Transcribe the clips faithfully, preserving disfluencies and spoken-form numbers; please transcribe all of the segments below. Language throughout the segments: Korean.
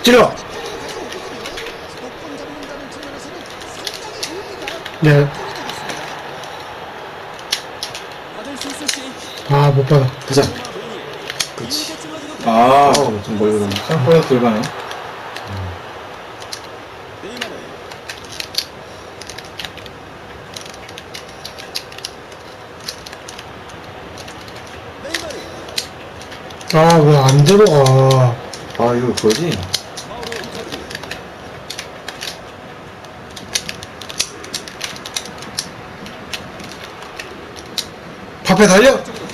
찔러. 네. 아, 못 받아. 가자. 그렇지. 아, 아우, 좀 멀리 가네. 생각보다 덜 가네. 아, 왜 안 들어가. 아, 이거 그거지? 밥에 달려!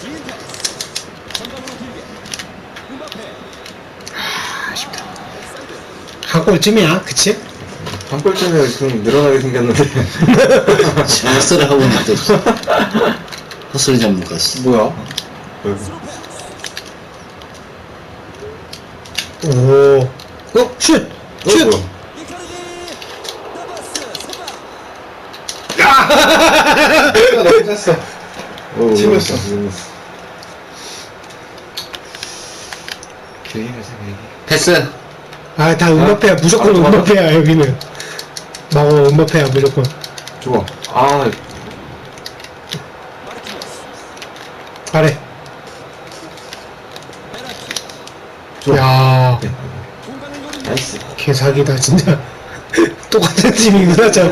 아, 아쉽다. 한 골쯤이야, 그치? 한 골쯤에 지금 늘어나게 생겼는데. 헛소리 하고 있는데 헛소리 전문가씨. 뭐야? 오. 어, 슛! 슛! 뭐야? 내가 너무 짰어. 오, 튀었어. 개인을 생각해. 패스. 아, 다 음바페야. 무조건 아, 좋아. 음바페야, 여기는. 막어, 음바페야, 무조건. 좋아. 아, 아래. 좋아. 야, 나이스. 개사기다, 진짜. 똑같은 팀이구나, 참.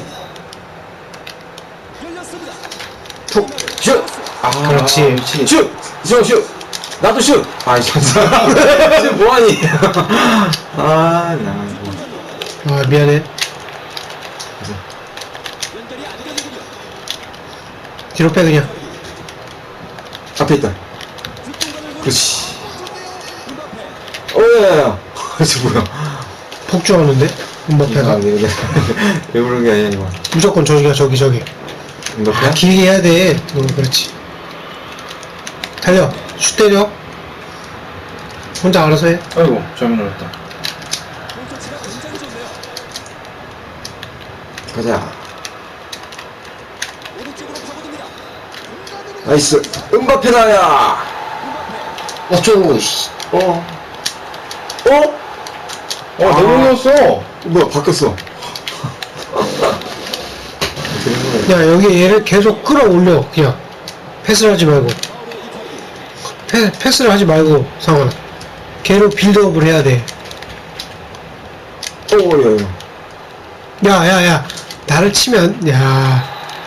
툭, 슛! 아, 그렇지. 미치겠네. 슛! 슛! 슛! 나도 슛! 아이, 진짜. 지금 뭐하니? 아, 나, 이거. 아, 미안해. 뒤로 빼, 그냥. 앞에 있다. 그렇지. 어, 야, 야, 야. 저 뭐야. 폭주하는데? 음바페가? 아, 이거 왜 그런 게 아니야, 이거. 무조건 저기가 저기, 저기. 이거야? 아, 길게 해야 돼. 어, 그렇지. 달려. 슛 때려. 혼자 알아서 해. 아이고, 잘못 눌렀다. 가자. 나이스. 음바페다야. 어쩌고, 씨. 어. 어? 어, 아. 내가 눌렀어. 뭐야, 바뀌었어. 되는 거야. 야, 여기 얘를 계속 끌어올려. 그냥. 패스를 하지 말고. 패, 패스를 하지 말고, 상원아. 걔로 빌드업을 해야 돼. 오, 야, 야. 야, 야, 야. 나를 치면, 야.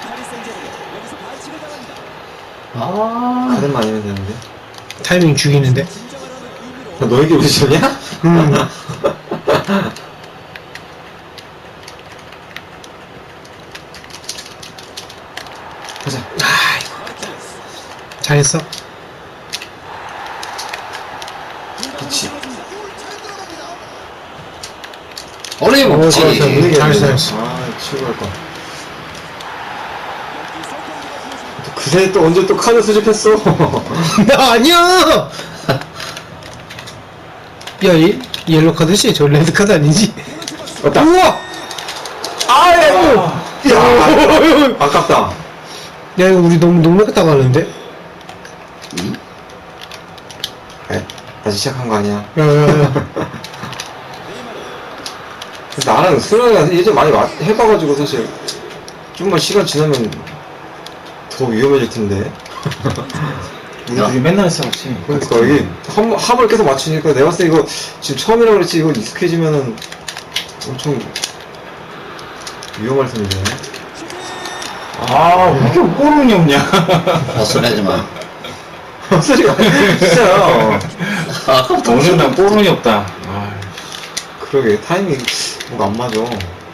아. 가든만 아니면 되는데. 타이밍 죽이는데. 야, 너에게 오디션이야? 음. 가자. 잘했어. 그렇지. 어려이 어, 먹지. 좋았어. 분위기 잘했어, 안 잘했어. 되네. 아, 치고 갈 거. 그새 또 언제 또 카드 수집했어? 나 아니야! 야, 이, 옐로 카드지? 저 레드 카드 아니지? 왔다. 우와! 아유! 야, 야, 아깝다. 야, 이거 우리 너무 농락했다 가는데? 에, 다시 시작한 거 아니야? 야, 야, 야. 나랑 수영이가 예전 많이 와- 해봐가지고 사실 좀만 시간 지나면 더 위험해질 텐데. 우리 둘이 맨날 싸웠지. 그러니까 이게 함, 함을 계속 맞추니까 내가 봤을 때 이거 지금 처음이라 그랬지 이거 익숙해지면은 엄청 위험할 텐데. 아, 왜 이렇게 꼬름이 없냐. 헛소리 하지 마. 소리가 진짜요. 아까부터 오늘 난 꼬름이 없다. 아, 그러게 타이밍 뭔가 안 맞아.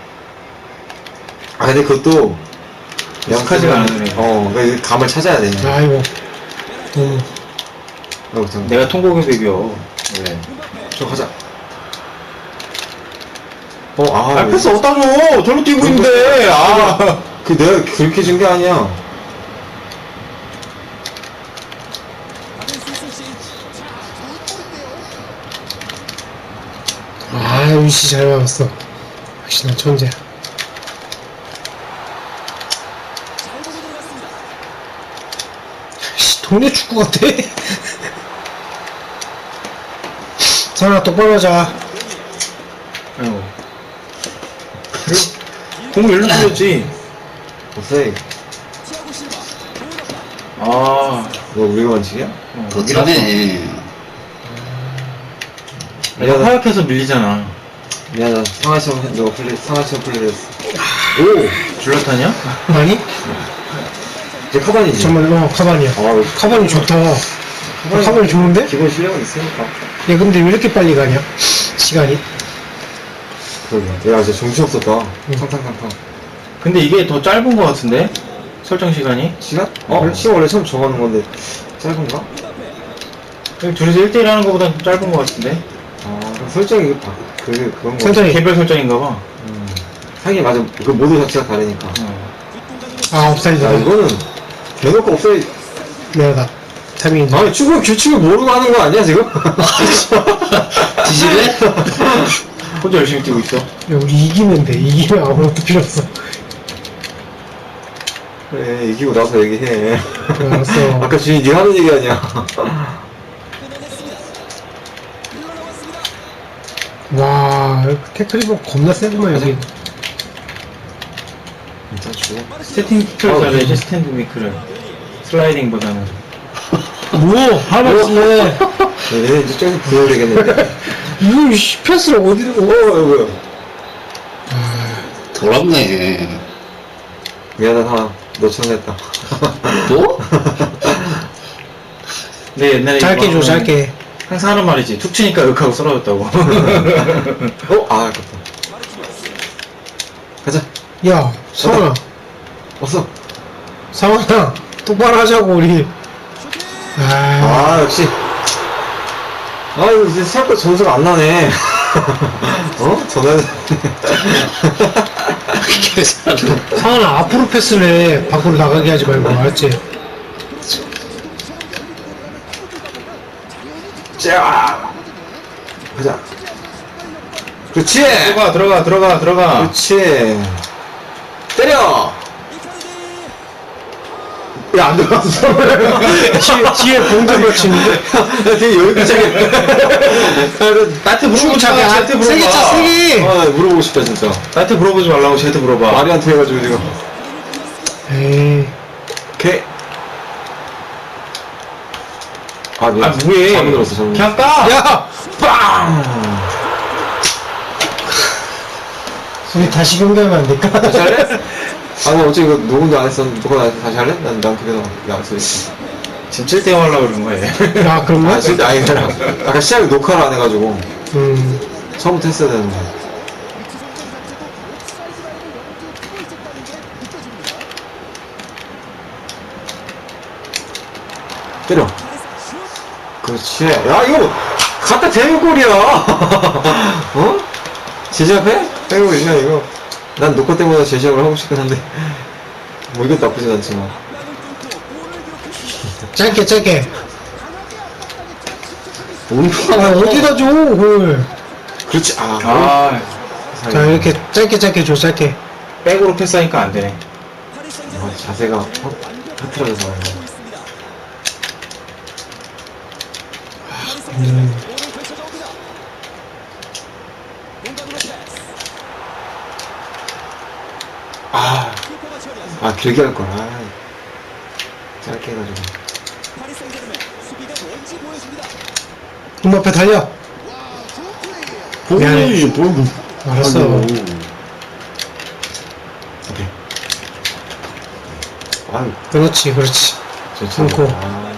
아 근데 그것도 익숙하지가 않으네. 어, 그러니까 이 감을 찾아야 돼. 아이고. 음. 어, 좀, 내가 통곡의 배겨. 네. 좀 가자. 어, 아, 아, 패스 어디다 줘! 저로 뛰고 있는데! 아! 그 내가 그렇게 준 게 아니야. 아, 유씨 잘 막았어. 역시 난 천재야. 씨, 동네 축구 같아. 상아 똑바로 하자. 공을 일로 뚫렸지. 없어요. 아, 너 우리가 만지냐? 어, 더 밀었어. 차네. 내가 허약해서 밀리잖아. 미안하다. 상하시험, 너 플레이, 상하시험 플레이 했어. 오! 줄라타냐? 아니? 이제 카반이지. 정말, 어, 카반이야. 아, 카반이 좋다. 카반이- 카반이 좋은데? 기본 실력은 있으니까. 야, 근데 왜 이렇게 빨리 가냐? 시간이? 그러게. 야, 진짜 정신없었다. 탕탕탕탕. 근데 이게 더 짧은 거 같은데? 설정 시간이? 시간? 어? 시간 원래 처음 정하는 건데, 짧은가? 그냥 둘이서 일 대일 하는 거보단 좀 짧은 거 같은데? 아, 그럼 설정이, 바, 그, 그런 거. 설정이. 개별 설정인가 봐. 음. 하긴 맞아. 그 모드 자체가 다르니까. 어. 아, 업사이드. 야, 이거는, 대놓고 없어야, 미안하다. 타이밍이. 아니, 축구 규칙을 모르고 하는 거 아니야, 지금? 지지배? 혼자 열심히 뛰고 있어. 야, 우리 이기면 돼. 이기면 아무것도 필요 없어. 그래, 이기고 나서 얘기해. 그래, 알았어. 아까 주인이 네가 하는 얘기 아니야. 와, 태클리버 겁나 세구만, 여기. 진짜 죽어. 스탠딩 미크를 어, 잘해야지, 음. 스탠드 미크를. 슬라이딩보다는. 뭐, 하마치네. 얘네 이제 저기서 부여야 되겠는데. 이거, 씨, 패스를 어디로, 어, 어? 이거요. 더럽네. 미안하다, 하나. 너 천했다. 또? 내 옛날에. 짧게 이거 줘, 짧게. 항상 하는 말이지. 툭 치니까 윽하고 쓰러졌다고. 어? 아, 아깝다. 가자. 야, 성아. 왔어. 상원아, 똑바로 하자고, 우리. 아, 아, 역시. 아, 이거 이제 생각보다 점수가 안 나네. 어? 전화는. 상원아, 앞으로 패스를 해. 밖으로 나가게 하지 말고, 알았지? 짜! 가자. 그렇지! 들어가, 들어가, 들어가, 들어가. 그렇지. 때려! 야, 안 들어갔어. 뒤에, 뒤에 봉대 걸치는데? 야, 되게 여유있게. 나한테 물어보지 마, 나한테 물어봐. 세게 차, 세게! 아, 물어보고 싶다, 진짜. 나한테 물어보지 말라고 쟤한테 물어봐. 마리한테 해가지고 지금. 에이. 오케이. 아, 미안. 아, 뭐해. 잘못 들었어, 잘못 들었어. 그냥 까! 야! 빵! 우리 다시 경기하면 안 될까? 다시 할래? 아니, 어차피 이거 녹음도 안 했었는데, 녹음 안 해서 다시 할래? 난, 난 그래서 안 써있어. 지금 칠 대 영 하려고 그러는 거야. 아, 그런 거야? 아, 진짜, 아니, 아까 시작에 녹화를 안 해가지고, 음. 처음부터 했어야 되는데. 때려. 그렇지. 야, 이거, 갖다 대는 골이야. 어? 제시합해? 빼고이야 이거. 난 녹화 때보다 제시합을 하고 싶긴 한데. 뭐, 이것도 나쁘진 않지만. 짧게, 짧게. 아, 아, 어디다 줘, 그걸. 그렇지. 아, 아, 자, 이렇게 짧게, 짧게 줘, 짧게. 백으로 패스하니까 안 되네. 아, 자세가 허, 흐트러져서 그런가. 음. 아, 아, 길게 할 걸. 아, 짧게 해가지고. 음 앞에 달려. 미안해. 뭐. 알았어. 오케이. 아유, 그렇지, 그렇지. 저 끊고. 아,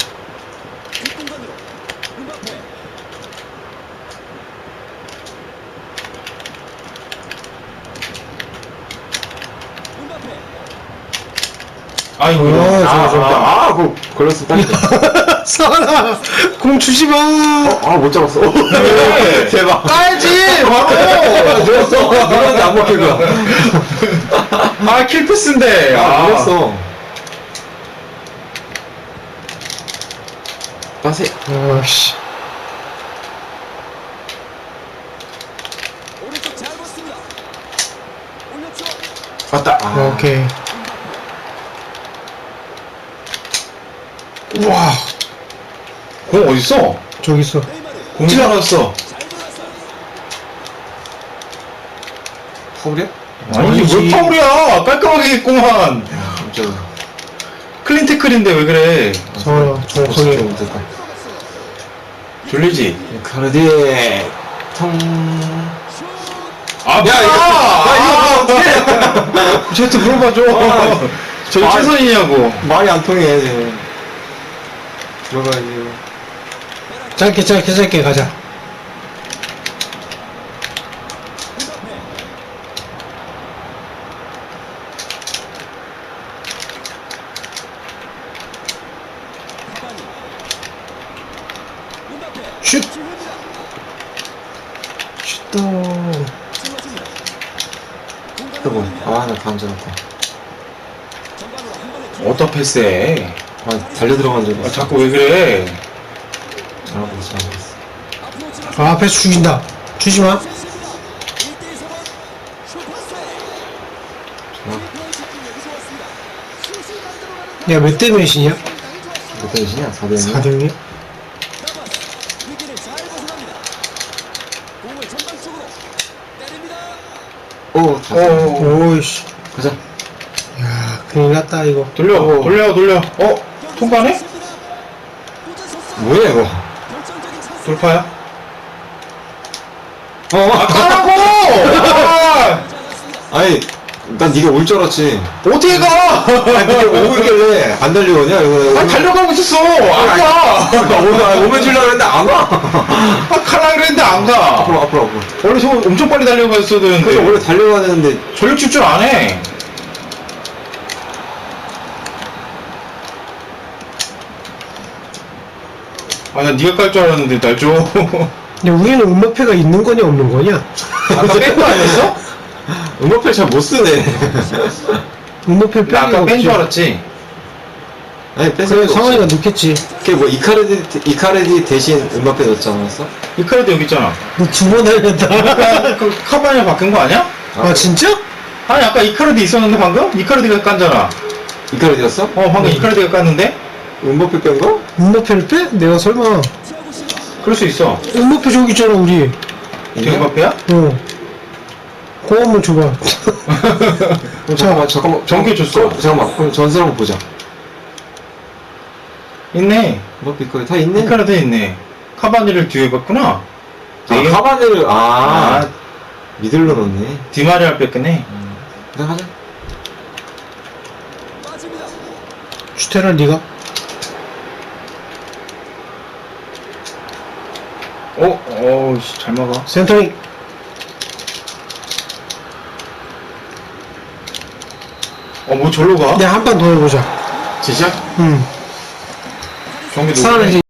아이고, 어, 아, 좋아, 좋아. 아, 아, 그거 걸렸어. 빨리. 사라 공 주지 마. 어, 아, 못 잡았어. 대박. 까야지, 바로. 누웠어. 누웠는데 안 먹힐 거야. 아, 킬패스인데. 아, 누웠어. 빠세. 아씨. 맞다. 아, 오케이. 우와, 공 어딨어? 저기 있어. 공 사라졌어. 허브려? 아니, 이게 왜 파울이야? 깔끔하게 했구만. 저 클린 태클인데 왜 그래? 성원아, 정확하게. 좀 됐다. 졸리지? 카르디 통. 아, 야, 이거, 야, 이거 어떻게? 쟤한테 물어봐줘. 아, 저기 아, 최선이냐고. 말이 안 통해. 쟤. 들어가야지. 짧게, 짧게, 짧게 가자. 슛! 슛도. 아이고, 아, 나 간절했다. 어디다 패스해? 아, 달려 들어간 줄 아, 알았어. 자꾸 왜 그래? 잘하고 있어, 잘하고 있어. 아, 패스 죽인다. 주지 마. 야, 몇 대 몇이냐? 몇 대이시냐? 사 대 영. 사 대 영이야? 오, 다 어, 오이씨. 가자. 야, 큰일 났다, 이거. 돌려, 어. 돌려, 돌려. 어? 통과네? 뭐야, 이거? 돌파야? 어, 아, 가라고! 아, 아니, 난 네가 올 줄 알았지. 어떻게 가? 아니, 근데 오길래 안 달려오냐? 이거. 아, 달려가고 있었어! 안 가! 나 오면, 아니, 오면 주려고 했는데 안 와. 아, 가라 그랬는데 안 가! 앞으로, 앞으로, 앞으로. 원래 저거 엄청 빨리 달려갔어야 그래서 되는데. 원래 달려가야 되는데, 전력 질줄 안 해. 아, 나 네가 깔 줄 알았는데, 날 줘. 근데 우리는 음모패가 있는 거냐, 없는 거냐? 아까 뺀 거 아니었어? 음악패 잘 못 쓰네. 음모패 나 아까 뺀 줄 알았지. 아니, 뺏어. 그래, 성원이가 넣겠지. 그게 뭐, 이카르디, 이카르디 대신 음악패 넣지 않았어? 이 카드도 여기 있잖아. 너 두 번 알렸다. 아까 그 카바니가 바뀐 거 아니야? 아, 진짜? 아니, 아까 이 카드 있었는데 방금? 이 카드가 깠잖아. 이카르디였어? 어, 방금 이 카드가 깠는데? 음악패 뺀 거? 음모패를 빼? 내가 설마. 그럴 수 있어. 음모패 저기 있잖아, 우리. 지금 앞에야? 어. 그거 한번 줘봐. 어, 잠깐만, 잠깐만. 전개 줬어. 어, 잠깐만. 그럼 전설 한번 보자. 있네. 음악패 거기 다 있네. 이 카드 있네. 카바니를 뒤에 봤구나. 아, 네. 카바네를, 아, 아, 미들로 넣네. 디마리아를 뺐겠네. 그냥 하자. 슈테라 니가? 어, 어우, 씨, 잘 막아. 센터링. 어, 뭐 절로 가? 내가 한 판 더 해보자. 진짜? 응. 경기 사람은 이제